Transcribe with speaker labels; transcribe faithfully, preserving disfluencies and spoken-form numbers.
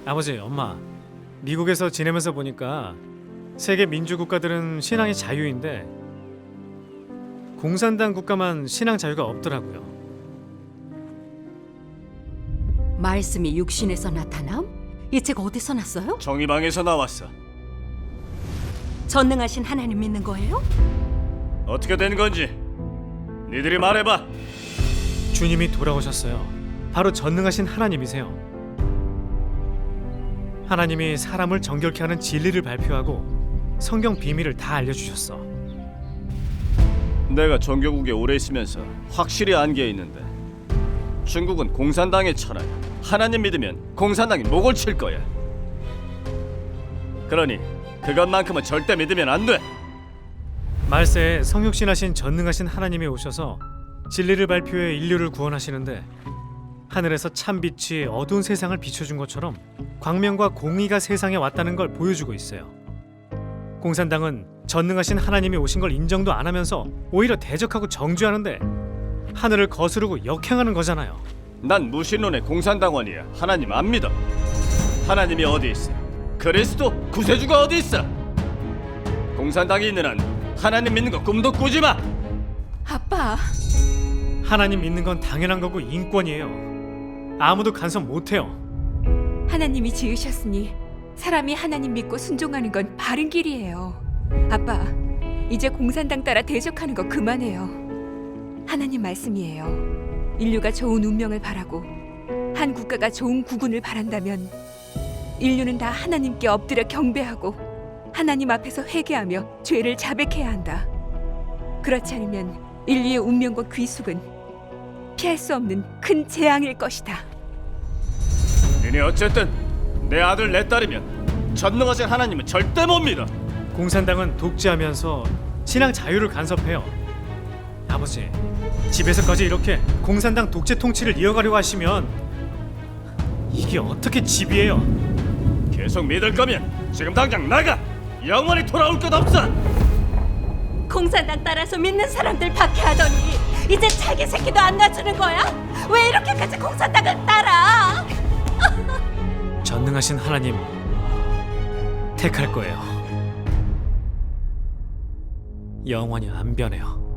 Speaker 1: 아버지, 엄마, 미국에서 지내면서 보니까 세계 민주국가들은 신앙이 자유인데 공산당 국가만 신앙 자유가 없더라고요.
Speaker 2: 말씀이 육신에서 나타남? 이 책 어디서 났어요?
Speaker 3: 정의방에서 나왔어.
Speaker 2: 전능하신 하나님 믿는 거예요?
Speaker 3: 어떻게 된 건지 니들이 말해봐.
Speaker 1: 주님이 돌아오셨어요. 바로 전능하신 하나님이세요. 하나님이 사람을 정결케 하는 진리를 발표하고 성경 비밀을 다 알려주셨어.
Speaker 3: 내가 종교국에 오래 있으면서 확실히 안 게 있는데 중국은 공산당의 천하야. 하나님 믿으면 공산당이 목을 칠 거야. 그러니 그것만큼은 절대 믿으면 안 돼.
Speaker 1: 말세에 성육신하신 전능하신 하나님이 오셔서 진리를 발표해 인류를 구원하시는데 하늘에서 참 빛이 어두운 세상을 비춰준 것처럼 광명과 공의가 세상에 왔다는 걸 보여주고 있어요. 공산당은 전능하신 하나님이 오신 걸 인정도 안 하면서 오히려 대적하고 정죄하는데 하늘을 거스르고 역행하는 거잖아요.
Speaker 3: 난 무신론의 공산당원이야. 하나님 안 믿어. 하나님이 어디 있어? 그리스도 구세주가 어디 있어? 공산당이 있는 한 하나님 믿는 거 꿈도 꾸지 마.
Speaker 2: 아빠,
Speaker 1: 하나님 믿는 건 당연한 거고 인권이에요. 아무도 간섭 못해요.
Speaker 4: 하나님이 지으셨으니 사람이 하나님 믿고 순종하는 건 바른 길이에요. 아빠, 이제 공산당 따라 대적하는 거 그만해요. 하나님 말씀이에요. 인류가 좋은 운명을 바라고 한 국가가 좋은 국운을 바란다면 인류는 다 하나님께 엎드려 경배하고 하나님 앞에서 회개하며 죄를 자백해야 한다. 그렇지 않으면 인류의 운명과 귀숙은 피할 수 없는 큰 재앙일 것이다.
Speaker 3: 니네 어쨌든 내 아들 내 딸이면 전능하신 하나님은 절대 못 믿어.
Speaker 1: 공산당은 독재하면서 신앙 자유를 간섭해요. 아버지, 집에서까지 이렇게 공산당 독재 통치를 이어가려고 하시면 이게 어떻게 집이에요?
Speaker 3: 계속 믿을 거면 지금 당장 나가. 영원히 돌아올 것 없어.
Speaker 2: 공산당 따라서 믿는 사람들 박해하더니 이제 자기 새끼도 안 놔주는 거야? 왜 이렇게까지 공산당을 따라?
Speaker 1: 전능하신 하나님 택할 거예요. 영원히 안 변해요.